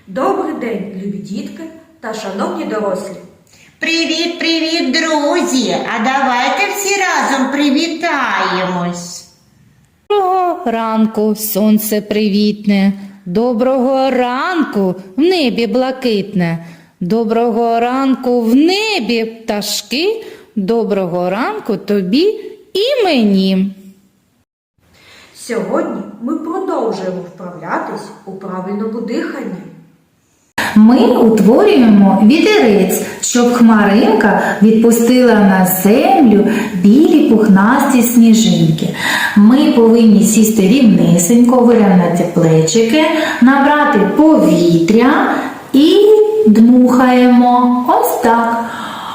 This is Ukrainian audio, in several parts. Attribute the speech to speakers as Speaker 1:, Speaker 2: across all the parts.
Speaker 1: Добрий день, любі дітки та шановні дорослі!
Speaker 2: Привіт, друзі! А давайте всі разом привітаємось.
Speaker 3: Доброго ранку, сонце привітне, доброго ранку в небі блакитне, доброго ранку в небі пташки, доброго ранку тобі і мені.
Speaker 1: Сьогодні ми продовжуємо вправлятись у правильному диханні.
Speaker 3: Ми утворюємо вітерець, щоб хмаринка відпустила на землю білі пухнасті сніжинки. Ми повинні сісти рівнесенько, вирівняти плечики, набрати повітря і дмухаємо. Ось так.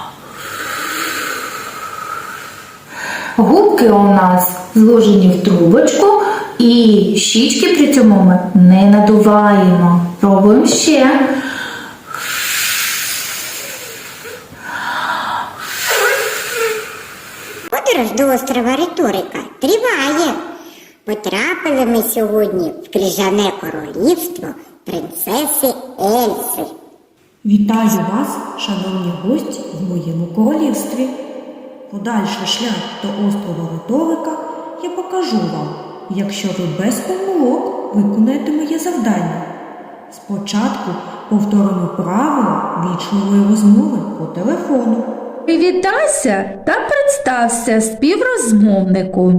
Speaker 3: Губки у нас зложені в трубочку і щічки при цьому ми не надуваємо. Пробуємо ще.
Speaker 4: Подорож до острова Риторика триває. Потрапили ми сьогодні в крижане королівство принцеси Ельси.
Speaker 1: Вітаю вас, шановні гості, в моєму королівстві. Подальший шлях до острова Риторика я покажу вам, якщо ви без помилок виконаєте моє завдання. Спочатку повторимо правила вічливої розмови по телефону.
Speaker 3: Привітайся та представся співрозмовнику.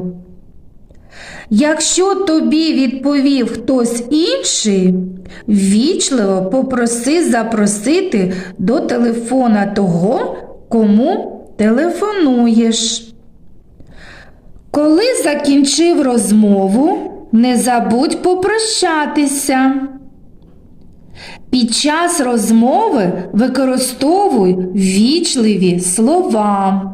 Speaker 3: Якщо тобі відповів хтось інший, ввічливо попроси запросити до телефона того, кому телефонуєш. Коли закінчив розмову, не забудь попрощатися. Під час розмови використовуй ввічливі слова.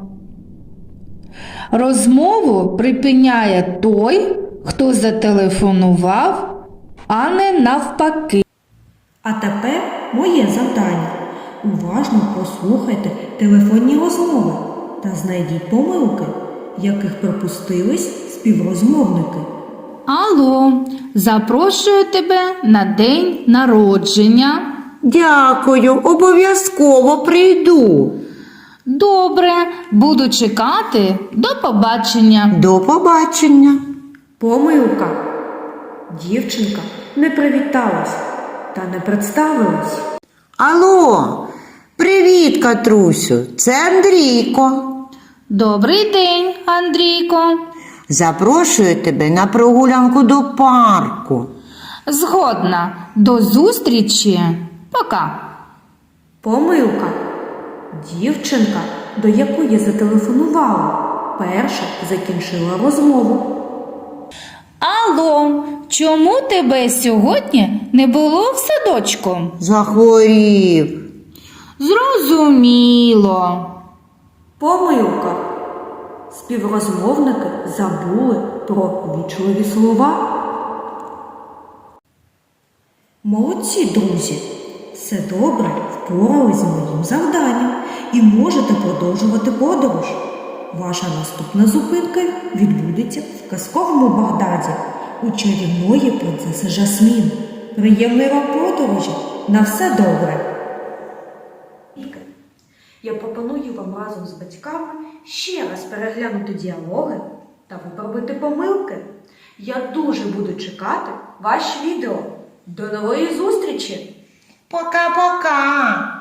Speaker 3: Розмову припиняє той, хто зателефонував, а не навпаки.
Speaker 1: А тепер моє завдання. Уважно послухайте телефонні розмови та знайдіть помилки, яких припустились співрозмовники.
Speaker 3: Алло, запрошую тебе на день народження.
Speaker 2: Дякую, обов'язково прийду.
Speaker 3: Добре, буду чекати. До побачення.
Speaker 2: До побачення.
Speaker 1: Помилка. Дівчинка не привіталась та не представилась.
Speaker 2: Алло, привіт, Катрусю, це Андрійко.
Speaker 3: Добрий день, Андрійко.
Speaker 2: Запрошую тебе на прогулянку до парку.
Speaker 3: Згодна. До зустрічі. Пока.
Speaker 1: Помилка. Дівчинка, до якої я зателефонувала, перша закінчила розмову.
Speaker 3: Алло, чому тебе сьогодні не було в садочку?
Speaker 2: Захворів.
Speaker 3: Зрозуміло.
Speaker 1: Помилка. Співрозмовники забули про вічливі слова. Молодці, друзі! Все добре впорались з моїм завданням і можете продовжувати подорож. Ваша наступна зупинка відбудеться в казковому Багдаді у чарівної принцеси Жасмін. Приємної вам подорожі! На все добре! Я пропоную вам разом з батьками ще раз переглянути діалоги та виправити помилки. Я дуже буду чекати ваші відео. До нової зустрічі!
Speaker 2: Пока-пока.